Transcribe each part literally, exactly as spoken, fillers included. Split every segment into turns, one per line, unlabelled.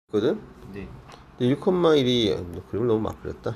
거든?
네.
근데 일 콤마 일이 그림을 너무 막 그렸다.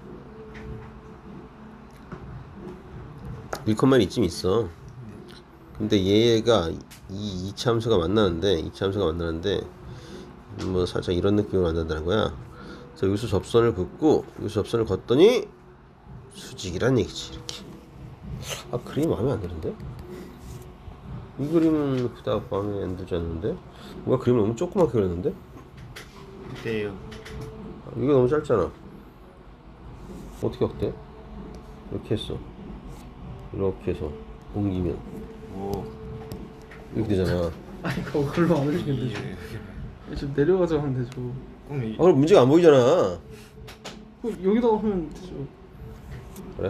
일 콤마 일 이쯤 있어. 근데 얘가 이 이차함수가 만나는데 이차함수가 만나는데 뭐 살짝 이런 느낌으로 만난다는 거야. 그래서 여기서 접선을 긋고 여기서 접선을 걷더니 수직이란 얘기지. 이렇게. 아, 그림이 마음에 안 드는데? 이 그림은 그닥 마음에 안 들지 않는데? 뭔가 그림을 너무 조그맣게 그렸는데?
어때요?
이거 너무 짧잖아. 어떻게 어때? 이렇게 했어. 이렇게 해서 옮기면
오.
이렇게 되잖아.
아니 그걸로 안 올리면 되죠. 좀 내려가자 하면 되죠.
그럼 이
아, 그럼 문제가 안 보이잖아.
그럼 여기다가 하면 되죠.
그래?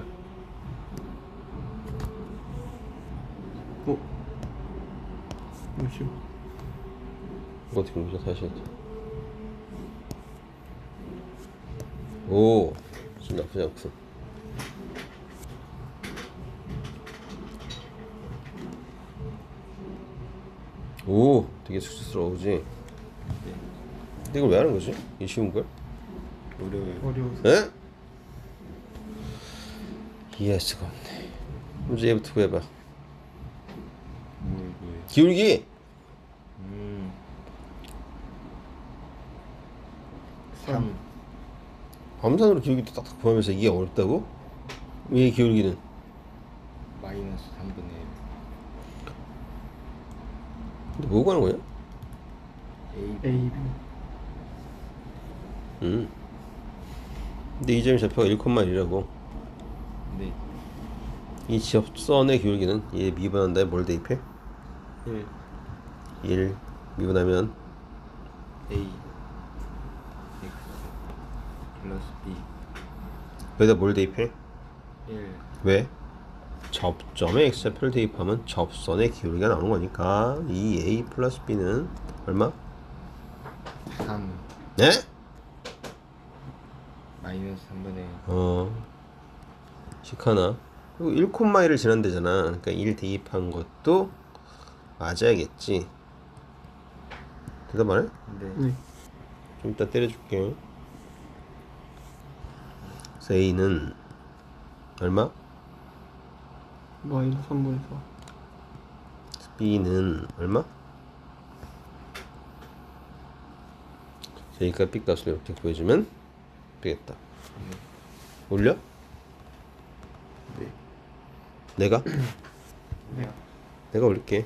어? 잠시만.
이거 어떻게 옮기자 다시 했지. 오, 좀 나쁘지 않군. 오, 되게 수치스러우지. 근데 이걸 왜 하는 거지? 이 쉬운 걸?
어려워요.
어려워서.
에? 이해할 수가 없네. 문제 얘부터 구해봐.
뭐 뭐예요?
기울기.
음. 삼.
암산으로 기울기도 딱딱 구하면서 이게 어렵다고? 왜 기울기는?
마이너스 삼분의 일.
근데 뭐 구하는 거냐?
A.
A, B.
음. 근데 이 점의 좌표가 일 콤마 일이라고.
네.
이 접선의 기울기는 얘 미분한 다음에 뭘 대입해?
일.
일 미분하면
A. X. 플러스 B.
여기다 뭘 대입해?
일.
왜? 접점에 x좌표를 대입하면 접선의 기울기가 나오는 거니까 이 a 플러스 b는 얼마?
삼.
네?
마이너스 삼분의 일.
어 시카나 그리고 일 콤마 일을 지난대잖아. 그러니까 일 대입한 것도 맞아야겠지. 대답 안 해?
네.
네.
좀 이따 때려줄게. 그래서 a는 얼마?
마이너스 삼분의 사.
b는 얼마? A가 B 값을 이렇게 구해주면 되겠다. 올려?
네.
내가?
네.
내가 올릴게.